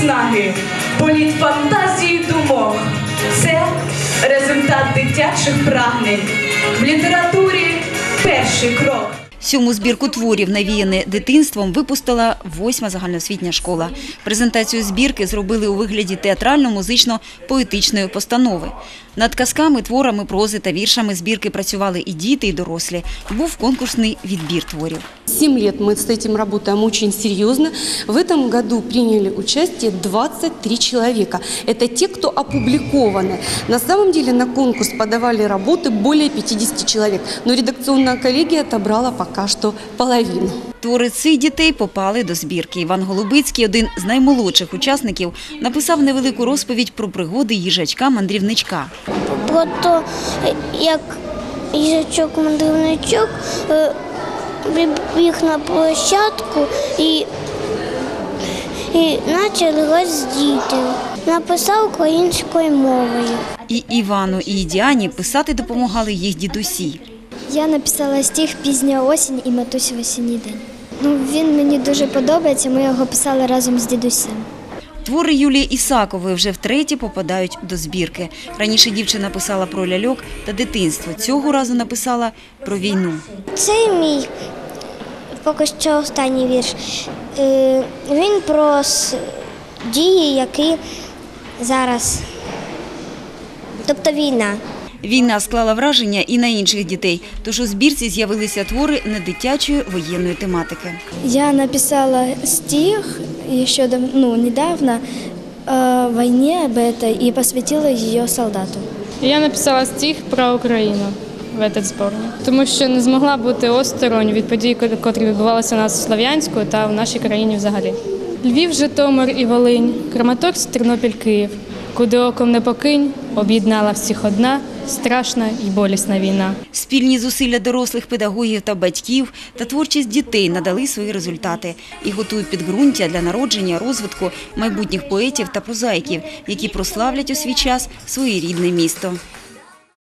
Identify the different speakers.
Speaker 1: снаги, політ фантазії думок. Це результат дитячих прагнень. В літературі перший крок.
Speaker 2: 7-му збірку творів «Навіяне дитинством» випустила 8-ма загальноосвітня школа. Презентацію збірки зробили у вигляді театрально-музично-поетичної постанови. Над казками, творами, прози та віршами збірки працювали і діти, і дорослі. Був конкурсний відбір творів.
Speaker 3: 7 лет мы с этим работаем очень серьезно. В этом году приняли участие 23 человека. Это те, кто опубликованы. На самом деле на конкурс подавали работы более 50 человек. Но редакционная коллегия отобрала пока что половину.
Speaker 2: Твори цих дітей попали до збірки. Іван Голубицький, один з наймолодших учасників, написав невелику розповідь про пригоди їжачка-мандрівничка.
Speaker 4: Про те, як їжачок-мандрівничок прибіг на площадку і почав грати з дітьми. Написав українською мовою.
Speaker 2: І Івану, і Діані писати допомагали їх дідусі.
Speaker 4: Я написала стих «Пізня осінь» і «Матусь в осінній день». Він мені дуже подобається, ми його писали разом з дідусем.
Speaker 2: Твори Юлії Ісакової вже втретє попадають до збірки. Раніше дівчина писала про ляльок та дитинство. Цього разу написала про війну.
Speaker 4: Це мій поки що останній вірш. Він про дії, які зараз, тобто війна.
Speaker 2: Війна склала враження і на інших дітей, тож у збірці з'явилися твори недитячої воєнної тематики.
Speaker 4: Я написала стих еще недавно о войне об этой и посвятила ее солдату.
Speaker 5: Я написала стих про Україну в цей зборник, тому що не змогла бути осторонь від подій, які відбувалися у нас в Слов'янську та в нашій країні взагалі. Львів, Житомир і Волинь, Краматорськ, Тернопіль, Київ. Куди оком не покинь, об'єднала всіх одна страшна і болісна війна.
Speaker 2: Спільні зусилля дорослих педагогів та батьків та творчість дітей надали свої результати і готують підґрунтя для народження, розвитку майбутніх поетів та прозаїків, які прославлять у свій час своє рідне місто.